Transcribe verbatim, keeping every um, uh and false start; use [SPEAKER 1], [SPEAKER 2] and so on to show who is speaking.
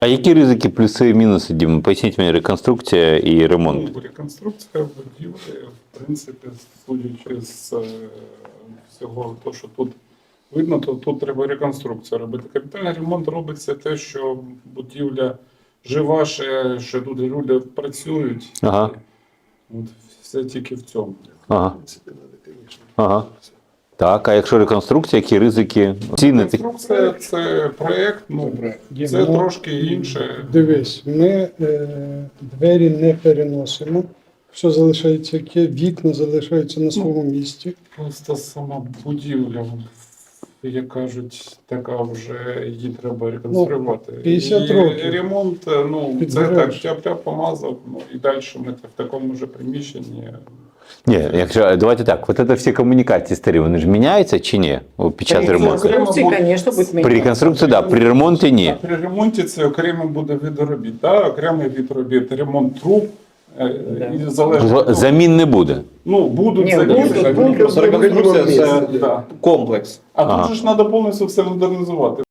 [SPEAKER 1] А які ризики, плюси і мінуси, Дім? Поясніть мені, реконструкція і ремонт.
[SPEAKER 2] Ну, реконструкція будівлі, в принципі, судячи з е, всього того, що тут видно, то тут треба реконструкцію робити. Капітальний ремонт робиться те, що будівля жива, ще, що тут люди працюють.
[SPEAKER 1] Ага.
[SPEAKER 2] От, все тільки в цьому.
[SPEAKER 1] Ага. Ага. Так, а якщо реконструкція, які ризики? Ціни такі?
[SPEAKER 2] Реконструкція – це проєкт, ну, це
[SPEAKER 3] Ну,
[SPEAKER 2] трошки інше.
[SPEAKER 3] Дивись, ми е, двері не переносимо. Все залишається яке, вікна залишаються на своєму місці.
[SPEAKER 2] Просто сама будівля, як кажуть, така вже її треба реконструювати.
[SPEAKER 3] п'ятдесят
[SPEAKER 2] І
[SPEAKER 3] років.
[SPEAKER 2] ремонт, ну, це
[SPEAKER 3] Підбереш.
[SPEAKER 2] так, тяп-тяп помазав, ну, і далі ми в такому ж приміщенні.
[SPEAKER 1] Ні, якщо, давайте так, от це всі комунікації старі, вони ж міняються чи ні о, під час
[SPEAKER 4] При
[SPEAKER 1] ремонту?
[SPEAKER 4] реконструкції, конечно, будет
[SPEAKER 1] При
[SPEAKER 4] меняться.
[SPEAKER 1] реконструкції, так, да, при ремонті ні.
[SPEAKER 2] А при ремонті це окремо буде від робіт. Да? Окремий від робіт, ремонт труб, е, і залежно.
[SPEAKER 1] В- Замін не буде.
[SPEAKER 2] Ну, будуть
[SPEAKER 4] Ні,
[SPEAKER 2] заміни.
[SPEAKER 4] будуть,
[SPEAKER 2] так,
[SPEAKER 4] будуть,
[SPEAKER 2] просто
[SPEAKER 4] будуть
[SPEAKER 2] реконструкція
[SPEAKER 4] робити.
[SPEAKER 2] це да.
[SPEAKER 5] комплекс.
[SPEAKER 2] А
[SPEAKER 1] Ага.
[SPEAKER 2] тут же ж треба повністю все модернізувати.